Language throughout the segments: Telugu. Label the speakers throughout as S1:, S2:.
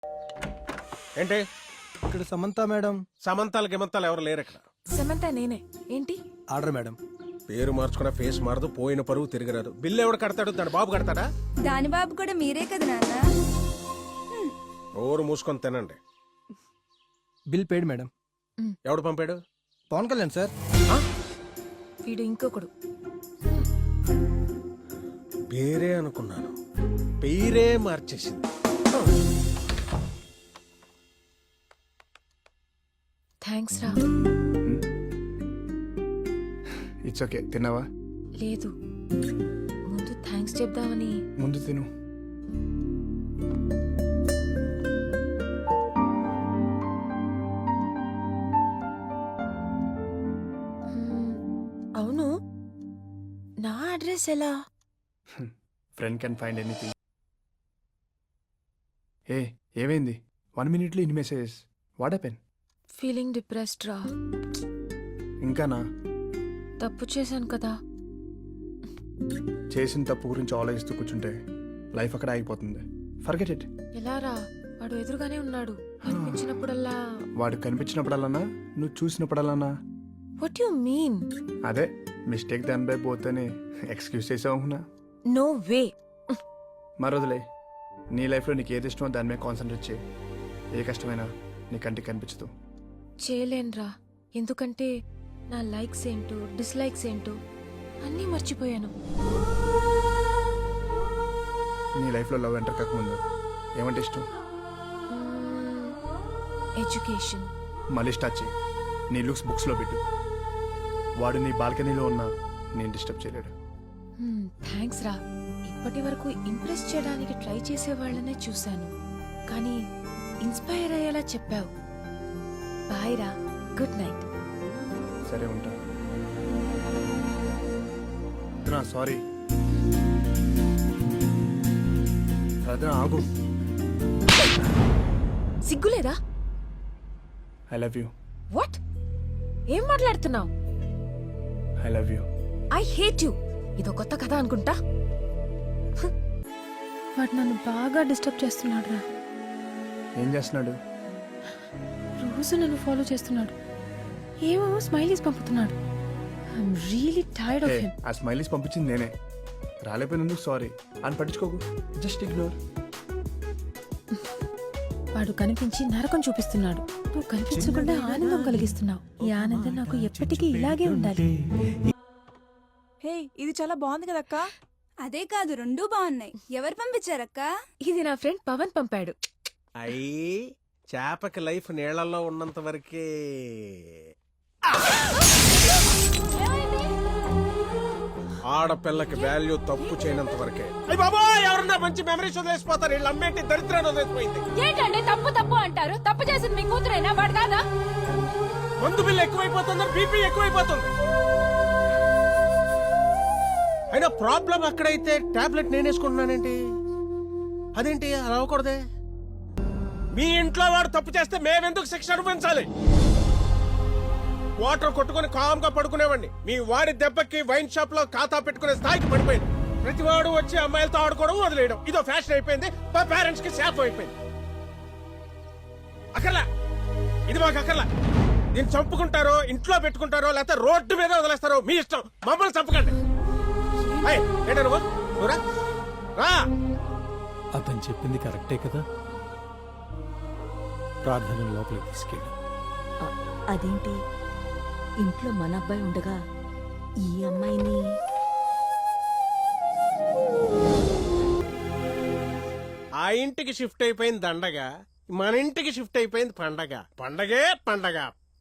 S1: ఏంటి
S2: ఇక్కడ సమంత మేడం.
S1: సమంతాలు గిమంతాలు ఎవరు లేరు ఇక్కడ.
S3: సమంత నేనే. ఏంటి
S2: ఆర్డర్ మేడం.
S1: పేరు మార్చుకున్న ఫేస్ మారదు, పోయిన పరువు తిరగరాదు. బిల్లు ఎవడు కడతాడు? తన బాబు కడతాడా?
S4: దాని బాబు కూడా మీరే కదా నాన్న.
S1: ఓరు మూసుకొని తినండి.
S2: Bill paid madam.
S1: ఎవడు పంపాడు?
S2: పవన్ కళ్యాణ్ సార్.
S3: వీడు ఇంకొకడు.
S1: పేరే అనుకున్నాను, పేరే మార్చేసింది.
S3: థ్యాంక్స్ రా.
S5: It's okay. తిన్నావా?
S3: లేదు, ముందు థ్యాంక్స్ చెప్దామని.
S5: ముందు తిను.
S3: అవును, నా అడ్రస్ ఎలా?
S5: Friend can find anything. ఏమైంది? 1 minute ఇన్ని messages. What happen?
S3: Feeling depressed రా.
S5: ఇంకానా?
S3: తప్పు చేశాను కదా.
S5: చేసిన తప్పు గురించి ఆలోచిస్తూ కూర్చుంటే లైఫ్ అక్కడ ఆగిపోతుంది. Forget it.
S3: ఎలా రా? వాడు ఎదురుగానే ఉన్నాడు. అనిపించినప్పుడల్లా.
S5: వాడు కనిపించినప్పుడల్లానా? నువ్వు చూసినప్పుడల్లానా?
S3: What you mean?
S5: అదే మిస్టేక్ దానిపై పోతేనే ఎక్స్క్యూజ్ చేసావునా?
S3: No way.
S5: మరొదలే. నీ లైఫ్లో నీకు ఏది ఇష్టమో దాని మీద కాన్సన్ట్రేట్ చేయి. ఏ కష్టమైనా నీ కంటికి కనిపించదు.
S3: చేయలేనురా, ఎందుకంటే నా లైక్స్ ఏంటో డిస్లైక్స్ ఏంటో అన్నీ మర్చిపోయాను.
S5: నీ లైఫ్లో లవ్ ఎంటర్ కాకముందు ఏమంటే ఇష్టం?
S3: ఎడ్యుకేషన్.
S5: మళ్ళీ స్టార్ట్ చేయి. నీ లుక్స్ బుక్స్లో పెట్టు. వాడు నీ బాల్కనీలో ఉన్నా నేను డిస్టర్బ్ చేయలేడు.
S3: థ్యాంక్స్ రా. ఇప్పటి వరకు ఇంప్రెస్ చేయడానికి ట్రై చేసే వాళ్ళనే చూశాను, కానీ ఇన్స్పైర్ అయ్యేలా చెప్పావు. బాయ్ రా, గుడ్ నైట్.
S5: సరే ఉంటా. సారీ రద్నా, ఆగు.
S3: సిగ్గులేదా?
S5: I love you.
S3: వాట్? ఏం మాట్లాడుతున్నావు?
S5: I love you.
S3: I hate you. ఇదో కొత్త కథ అనుకుంటా. వాడు నన్ను బాగా డిస్టర్బ్ చేస్తున్నాడు రా.
S5: ఏం చేస్తున్నాడు?
S3: రోజు నన్ను ఫాలో చేస్తున్నాడు. ఏమో స్మైలీస్ పంపుతున్నాడు. I'm really tired of him.
S5: ఆ స్మైలీస్ పంపించింది నేనే. రాలేపోయినందుకు సారీ అని పట్టించుకోకు. Just ignore.
S3: వాడు కనిపించి నరకం చూపిస్తున్నాడు. నువ్వు కనిపించకుండా ఆనందం కలిగిస్తున్నావు. ఈ ఆనందం నాకు ఎప్పటికీ ఇలాగే ఉండాలి.
S6: హే, ఇది చాలా బాగుంది కదక్క.
S4: అదే కాదు, రెండూ బాగున్నాయి. ఎవరు పంపించారక్క?
S3: ఇది నా ఫ్రెండ్ పవన్ పంపాడు.
S1: అయ్యి చేపకి లైఫ్ నీళ్లలో ఉన్నంత వరకే. ఆడపిల్లకి వాల్యూ తప్పు చేయనంత వరకే. అయ్య బాబా, ఎవరన్నా మంచి మెమరీస్ వదిలేసిపోతారు. వీళ్ళు అమ్మేంటి దరిద్రాన్ని వదిలేసిపోయింది.
S3: ఏంటంటే తప్పు తప్పు అంటారు? తప్పు చేసింది మీ కూతురైనా వాడు కాదా?
S1: మందు బిల్లు ఎక్కువైపోతుంది, బీపీ ఎక్కువైపోతుంది. అయినా ప్రాబ్లం అక్కడైతే టాబ్లెట్ నేనేసుకుంటున్నానేంటి? అదేంటి అలా అవ్వకూడదే? మీ ఇంట్లో వాడు తప్పు చేస్తే మేమెందుకు శిక్ష అనుభవించాలి? వాటర్ కొట్టుకుని కామ్గా పడుకునేవాడిని. మీ వాడి దెబ్బకి వైన్ షాప్ లో ఖాతా పెట్టుకునే స్థాయికి పడిపోయింది. ప్రతి వాడు వచ్చి అమ్మాయిలతో ఆడుకోవడం వదిలేయడం ఇదో ఫ్యాషన్ అయిపోయింది. మా పేరెంట్స్ కి శాపం అయిపోయింది. అక్కర్లా, ఇది మాకు అక్కర్లా. దీన్ని చంపుకుంటారో ఇంట్లో పెట్టుకుంటారో లేకపోతే రోడ్డు మీద వదిలేస్తారో మీ ఇష్టం. మమ్మల్ని చంపకండి.
S7: అతను చెప్పింది కరెక్టే కదా. ప్రార్థన లోపలికి తీసుకెళ్ళి.
S8: అదేంటి, ఇంట్లో మన అబ్బాయి ఉండగా ఈ అమ్మాయిని?
S1: ఆ ఇంటికి షిఫ్ట్ అయిపోయింది దండగా, మన ఇంటికి షిఫ్ట్ అయిపోయింది పండగ. పండగే పండగ.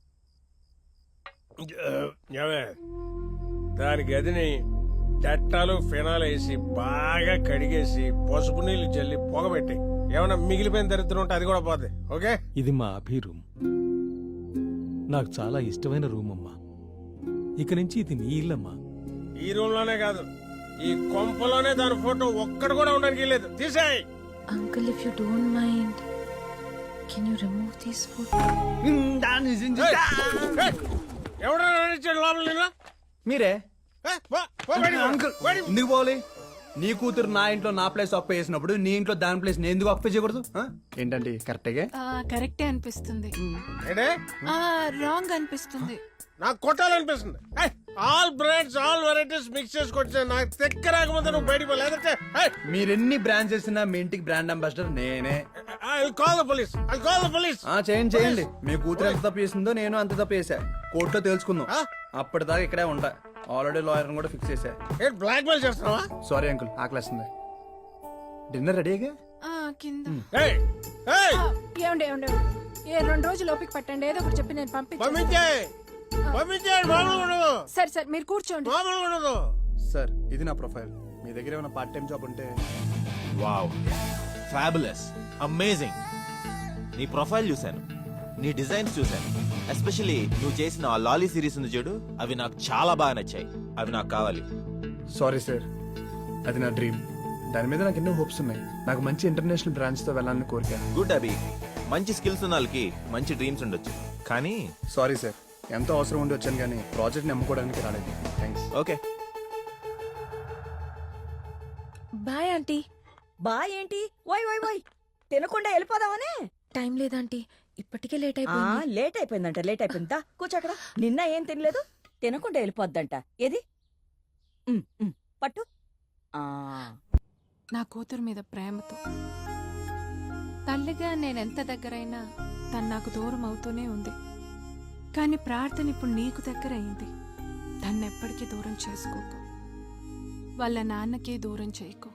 S1: దాని గదిని చట్టాలు ఫినాల్ వేసి బాగా కడిగేసి పసుపు నీళ్లు జల్లి పొగబెట్టి ఏమన్నా మిగిలిపోయిన దరిద్రం ఉంటే అది కూడా పోద్ది. ఓకే,
S7: ఇది మా అభి రూమ్. నాకు చాలా ఇష్టమైన రూమ్ అమ్మా. ఇక నుంచి ఇది నీ ఇల్లమ్మా.
S1: ఈ రూమ్ లోనే కాదు, ఈ కొంపలోనే దాని ఫోటో ఒక్కడు కూడా ఉండడానికి లేదు. తీసేయ్.
S3: Uncle, if you don't mind, can you remove this photo?
S1: ఎవడన్నా లోపల
S5: మీరే. అంకుల్ ఎందుకు పోవాలి? నీ కూతురు నా ఇంట్లో నా ప్లేస్ అప్పు చేసినప్పుడు నీ ఇంట్లో దాని ప్లేస్ నేను ఎందుకు అప్పు చేయకూడదు ఆ? ఏంటండి కరెక్ట్గా
S6: కరెక్టే అనిపిస్తుంది
S1: ఏంటే
S6: రాంగ్ అనిపిస్తుంది
S1: నాకు కొట్టాలనిపిస్తుంది all brands all varieties mix చేసుకొచ్చా నాకు తెక్క రాకముందు నువ్వు బయటికి లేదంటే
S5: మీరెన్ని బ్రాండ్స్ చేసినా మీ ఇంటికి బ్రాండ్ అంబాసిడర్ నేనే
S1: call the police I call the police
S5: చేయండి మీ కూతురు ఎంత తప్పు చేసిందో నేను అంత తప్పు చేశా కోర్టులో తెలుసుకుందాం అప్పటిదాకా ఇక్కడే ఉంటా ఆల్రెడీ లాయర్ కూడా ఫిక్స్ చేశా
S1: ఏంటి బ్లాక్ మెయిల్ చేస్తున్నావా
S5: సారీ అంకుల్ ఆకలేస్తుంది డిన్నర్ రెడీగా
S6: కింద
S1: ఏయ్ ఏయ్
S6: ఏమండి ఏమండి ఏ 2 రోజులు ఓపిక పట్టండి ఏదో ఒకటి చెప్పి నేను
S1: పంపించే పంపించేయండి మామూలుగా ఉండదు
S6: సరే సరే మీరు కూర్చోండి
S1: మామూలుగా ఉండదు
S5: సార్ ఇది నా ప్రొఫైల్ మీ దగ్గర ఏమైనా పార్ట్ టైం జాబ్ ఉంటే
S9: వావ్ ఫ్యాబులస్ అమేజింగ్ నీ ప్రొఫైల్ చూశాను నీ డిజైన్స్ చూశాను ఎస్పెషల్లీ నువ్వు చేసిన ఆ లాలీ సిరీస్ ఉంది చూడు అవి నాకు చాలా బాగా నచ్చాయి అవి నాకు కావాలి
S5: సారీ సార్ అది నా డ్రీమ్ దాని మీద నాకు ఎన్నో హోప్స్ ఉన్నాయి నాకు మంచి ఇంటర్నేషనల్ బ్రాంచ్ తో వెళ్ళాలని కోరిక
S9: గుడ్ అభి మంచి స్కిల్స్ ఉన్న వాళ్ళకి మంచి డ్రీమ్స్ ఉండొచ్చు కానీ
S5: సారీ సార్ ఎంతో అవసరం ఉండి వచ్చాను కానీ ప్రాజెక్ట్ నమ్ముకోవడానికి రాలేదు థ్యాంక్స్
S9: ఓకే
S3: బాయ్ ఆంటీ.
S8: బా ఏంటి వై వై వై తినకుండా వెళ్ళిపోదామనే
S3: టైం లేదాంటీ, ఇప్పటికే లేట్ అయిపోయింది.
S8: లేట్ అయిపోయిందంట లేట్ అయిపోయిందా కూర్చో అక్కడ నిన్న ఏం తినలేదు తినకుండా వెళ్ళిపోద్దంట ఏది పట్టు ఆ
S6: నా కూతురు మీద ప్రేమతో తల్లిగా నేనెంత దగ్గరైనా తను నాకు దూరం అవుతూనే ఉంది. కానీ ప్రార్థన ఇప్పుడు నీకు దగ్గర అయింది. తన్నెప్పటికీ దూరం చేసుకోకు, వాళ్ళ నాన్నకి దూరం చేయకు.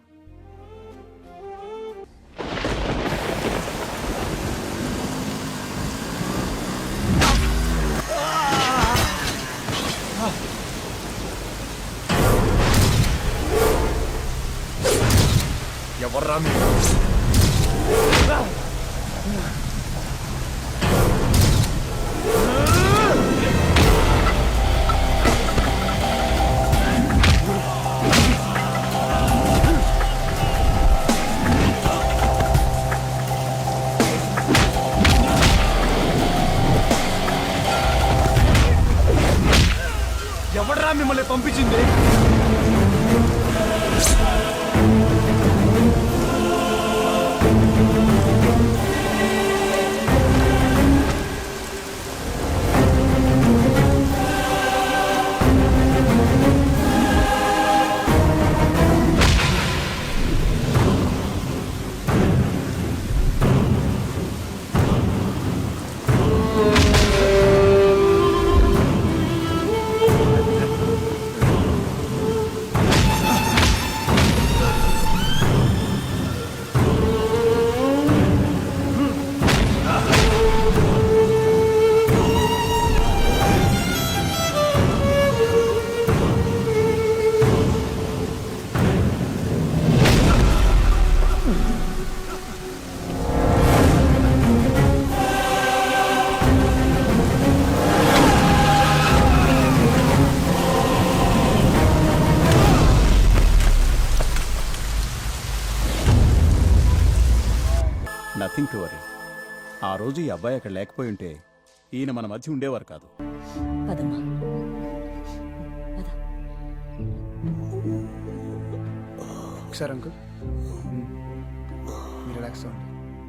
S5: ఎవర్రా మీరు ఎవడ్రా మిమ్మల్ని పంపించింది?
S10: Nothing to worry. ఆ రోజు ఈ అబ్బాయి అక్కడ లేకపోయి ఉంటే ఈయన మన మధ్య ఉండేవారు కాదు.
S8: పదమ్మా పద.
S5: ఒకసారి అంకుల్ మీరు రిలాక్స్ అవ్వండి.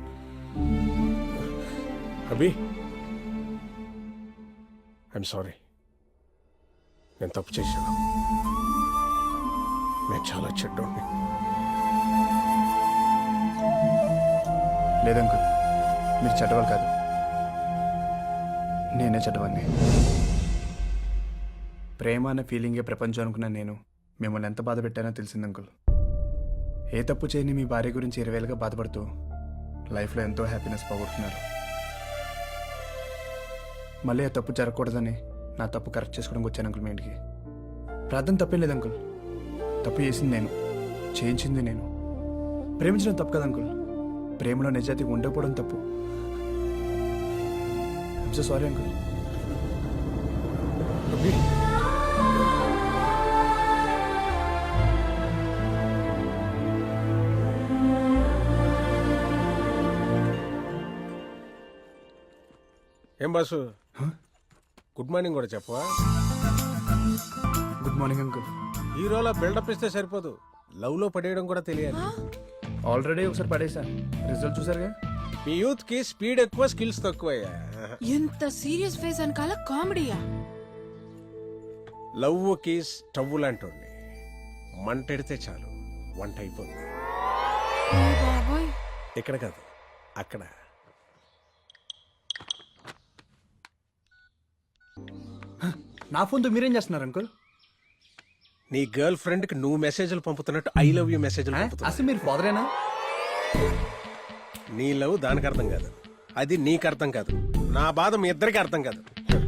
S1: అభి ఐఎమ్ సారీ, నేను తప్పు చేశాను. నేను చాలా చెడ్డోడిని.
S5: లేదంకుల్ మీరు చెడ్డవాళ్ళు కాదు, నేనే చెడ్డవాడిని. ప్రేమ అనే ఫీలింగే ప్రపంచం అనుకున్నా నేను మిమ్మల్ని ఎంత బాధ పెట్టానో తెలిసింది అంకుల్. ఏ తప్పు చేయని మీ భార్య గురించి 20 ఏళ్ళుగా బాధపడుతూ లైఫ్లో ఎంతో హ్యాపీనెస్ పోగొడుతున్నారు. మళ్ళీ ఆ తప్పు జరగకూడదని నా తప్పు కరెక్ట్ చేసుకోవడానికి వచ్చాను అంకుల్ మీ ఇంటికి. ప్రార్థన తప్పేం లేదు అంకుల్, తప్పు చేసింది నేను, చేయించింది నేను. ప్రేమించడం తప్పు కదా అంకుల్, ప్రేమలో నిజాయితీ ఉండకపోవడం తప్పు. I'm so sorry uncle.
S1: ఏం బాసు, గుడ్ మార్నింగ్ కూడా చెప్పవా?
S5: Good morning uncle.
S1: హీరోలా బిల్డప్ ఇస్తే సరిపోదు, లవ్ లో పడేయడం కూడా తెలియాలి.
S5: ఆల్రెడీ ఒకసారి పడేసా, రిజల్ట్ చూసారుగా.
S1: మీ యూత్ కి స్పీడ్ ఎక్కువ, స్కిల్స్ తక్కువయ్యా.
S6: ఎంత సీరియస్ ఫేస్ అనకాల కామెడీయా?
S1: లవ్ కి స్టవ్ లాంటి మంటెడితే చాలు వంట అయిపోతుంది.
S6: ఓ బాబోయ్.
S1: ఇక్కడ కాదు, అక్కడ.
S5: నా ఫోన్తో మీరేం చేస్తున్నారు అంకుల్?
S1: నీ గర్ల్ ఫ్రెండ్ కి నువ్వు మెసేజ్లు పంపుతున్నట్టు ఐ లవ్ యూ మెసేజ్లు పంపుతున్నా.
S5: అసలు మీరు ఫాదరేనా?
S1: నీ లవ్ దానికి అర్థం కాదు, అది నీకు అర్థం కాదు, నా బాధ మీ ఇద్దరికి అర్థం కాదు.